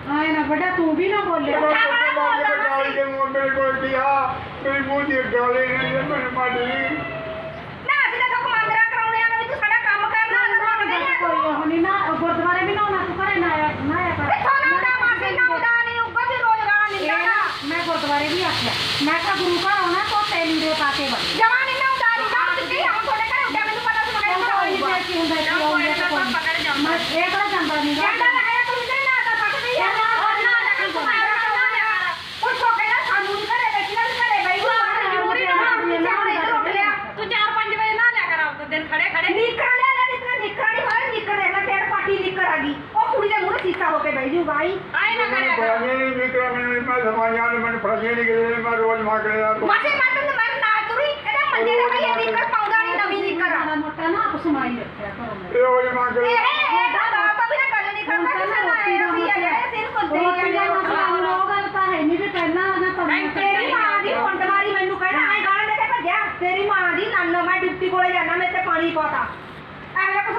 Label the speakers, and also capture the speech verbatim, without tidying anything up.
Speaker 1: आए ना बेटा तू भी ना बोले
Speaker 2: मेरे को दिया मेरी मुंह दी गाली ने मैंने मारी
Speaker 3: ना ਅਸੀਂ ਤਾਂ ਸਭ ਮੰਗਰਾ ਕਰਾਉਣੇ ਆ ਵੀ ਤੂੰ ਸਾਡਾ ਕੰਮ ਕਰਨਾ ਨਾ ਨਹੀਂ
Speaker 1: कोई होनी ना गुरुद्वारे भी ना होना तू करे ना आया ना आया कर
Speaker 3: ਕਿੱਥੋਂ ਨਾ ਹੁੰਦਾ ਮਾਸੀ ਨਾ ਹੁੰਦਾ ਨਹੀਂ ਉੱਗਾ ਵੀ ਰੋਜ਼ਗਾਰ ਨਹੀਂ ਦੇਣਾ
Speaker 1: मैं गुरुद्वारे भी आख्या मैं कहा गुरु घर होना तो तेल लीड़े पा के बन
Speaker 3: ਜਮਾ ਨਹੀਂ ਨਾ ਹੁੰਦਾ ਨਹੀਂ ਤਾਂ ਸਿੱਧੀ ਹੁਣ ਤੁਹਾਡੇ ਘਰੇ ਉੱਡਿਆ ਮੈਨੂੰ ਪਤਾ ਸੀ ਮੈਂ ਘਰ ਆਊਗਾ
Speaker 1: ਕੀ ਹੁੰਦਾ ਕੀ ਹੋਊਗਾ
Speaker 3: ਪਕੜ ਜਾਂਦਾ
Speaker 1: मैं एक बार ਜਾਂਦਾ नहीं
Speaker 3: ਜਾਂਦਾ ਤਾਂ ਹੈ ਤੂੰ ਨਹੀਂ ਨਾ ਤਾਂ ਸਕਦੀ ਹੈ ਨਾ ਨਾ ਨਾ ਕੋਈ ਸੋਕੇ ਨਾ ਸਾਨੂੰ ਨਹੀਂ ਘਰੇ ਬੈਠੀ ਨਾ ਘਰੇ ਬੈਠੀ ਜ਼ਰੂਰੀ ਨਾ ਤੂੰ ਚਾਰ ਪੰਜ ਵਜੇ ਨਾ ਲਿਆ ਕਰ ਆਪ ਦਿਨ ਖੜੇ ਖੜੇ ਨਿਕਲ ਲੈ ਲੈ ਨਿਕਲ ਨਿਕਲ ਨਹੀਂ ਹੋਇਆ ਨਿਕਲ ਲੈ ਡੇਢ ਪਾਟੀ ਨਿਕਲ ਆ ਗਈ ਉਹ ਕੁੜੀ ਦੇ ਮੂਹਰੇ ਸੀਸਾ ਹੋ ਕੇ ਬਹਿ ਜੂ ਬਾਈ ਆਏ ਨਾ ਕਰਿਆ ਕਰ
Speaker 2: नहीं निकला मैंने मैं समाया ने मैंने फड़के नहीं गए मैं रोज मांग रहा तो
Speaker 3: ਮਾਸੇ ਮਾਤਨ ਮੈਂ ਨਾ ਤੁਰੀ ਇਹਦੇ ਮੰਜੇ ਤੇ ਭਈ ਨਿਕਲ ਪਾਉਂਦਾ ਨਹੀਂ ਨਵੀਂ ਨਿਕਲ
Speaker 1: ਮਾੜਾ ਮੋਟਾ ਨਾ ਆਪ ਸਮਾਈ ਰੱਖਿਆ ਕਰੋ ਮੈਂ
Speaker 2: रोज मांग
Speaker 3: ਇਹ
Speaker 2: रहा
Speaker 3: ਇਹ ਦਾ ਤਾਂ ਵੀ ਨਾ ਗੱਲ ਨਹੀਂ ਕਰਦਾ ਕਿਸੇ ਨਾਲ ਆਇਆ ਵੀ ਆ ਜਾਏ ਸਿਰ ਕੁੱਤੇ
Speaker 1: ਰੋਟੀ ਦਾ ਮਸਲਾ ਹੁਣ ਉਹ ਗੱਲ ਤਾਂ ਹੈ ਨਹੀਂ ਵੀ ਪਹਿਲਾਂ ਨਾ ਤਾਂ
Speaker 3: ਤੇਰੀ ਮਾਂ ਦੀ ਕੁੰਡਵਾਰੀ ਮੈਨੂੰ ਕਹਿਣਾ ਐ ਗਾਲ ਦੇ ਕੇ ਭੱਜਿਆ ਤੇਰੀ ਮਾਂ ਦੀ ਨਾਨੋ ਮੈਂ ਡਿਪਟੀ ਕੋਲੇ ਜਾਣਾ ਮੈਂ ਤੇ ਪਾਣੀ ਪਾਤਾ ਐਵੇਂ